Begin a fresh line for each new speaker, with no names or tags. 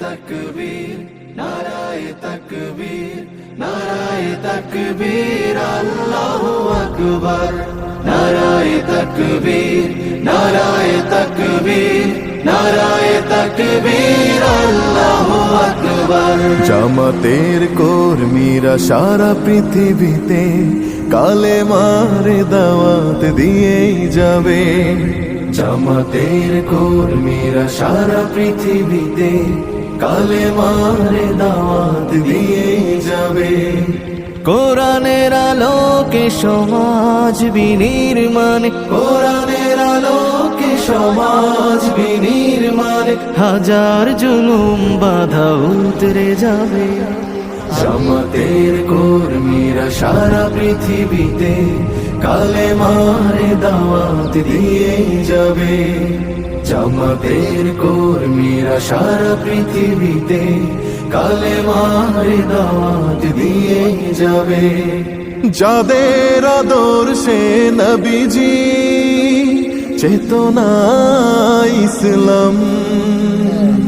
তাকবীর নারায়ে তাকবীর নারায়ে তাকবীর আল্লাহু আকবার নারায়ে তাকবীর নারায়ে তাকবীর নারায়ে তাকবীর আল্লাহু আকবার।
জামাতের কর্মীরা সারা পৃথিবীতে কালেমার দাওয়াত দিয়েই যাবে।
জামাতের কর্মীরা সারা পৃথিবীতে কালেমার দাওয়াত দিয়েই যাবে।
কোরআনের আলোকে সমাজ বিনির্মাণ,
কোরআনের আলোকে সমাজ বিনির্মাণ,
হাজার জুলুম বাধা উতরে যাবে।
জামাতের কর্মীরা সারা পৃথিবীতে কালেমার দাওয়াত দিয়েই যাবে। জামাতের কর্মীরা সারা পৃথিবীতে কালেমার দাওয়াত দিয়েই যাবে।
যাদের আদর্শে নবীজি চেতনা ইসলাম,